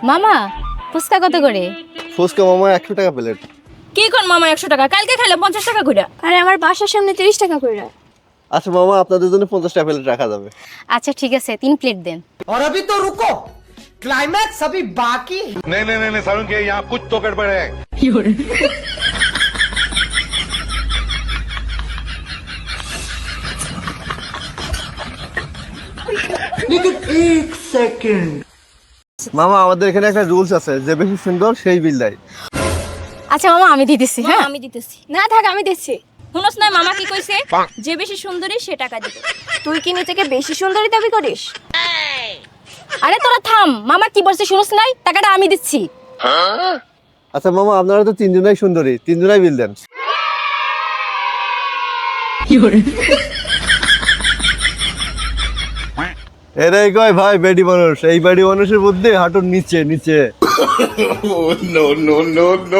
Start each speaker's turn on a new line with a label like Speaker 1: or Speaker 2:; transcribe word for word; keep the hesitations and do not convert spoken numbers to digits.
Speaker 1: মামা ফুচকা কত করে?
Speaker 2: ফুচকা মামা একশো টাকা প্লেট।
Speaker 3: কি কোন মামা একশো টাকা, কালকে খাইলে পঞ্চাশ টাকা করে।
Speaker 4: আরে আমার বাসার সামনে তিরিশ টাকা করে।
Speaker 2: আচ্ছা মামা, আপনাদের জন্য পঞ্চাশ টাকা প্লেট রাখা যাবে।
Speaker 1: আচ্ছা ঠিক আছে, তিন প্লেট দেন।
Speaker 5: और अभी तो रुको, क्लाइमैक्स अभी बाकी।
Speaker 6: नहीं नहीं नहीं सारुण के यहाँ कुछ तो गड़बड़ है।
Speaker 2: মামা আমাদের এখানে একটা রুলস আছে, যে বেশি সুন্দর সেই বিল দেয়।
Speaker 1: আচ্ছা মামা আমি দিতেছি।
Speaker 3: হ্যাঁ
Speaker 1: হ্যাঁ
Speaker 3: আমি দিতেছি।
Speaker 4: না থাক, আমি দিচ্ছি।
Speaker 3: শুনোস না মামা কি কইছে, যে বেশি সুন্দরী সে টাকা দিবে।
Speaker 4: তুই কি নিজেকে বেশি সুন্দরী দাবি করিস?
Speaker 1: আরে তোরা থাম, মামা কি বলছে শুনোস নাই? টাকাটা আমি দিচ্ছি।
Speaker 2: আচ্ছা মামা, আপনারা তো তিনজনাই সুন্দরী, তিনজনাই বিল দেন। এরাই কয় ভাই বেডি মানুষ, এই বেডি মানুষের মধ্যে হাঁটুর নিচে নিচে।
Speaker 6: No no no no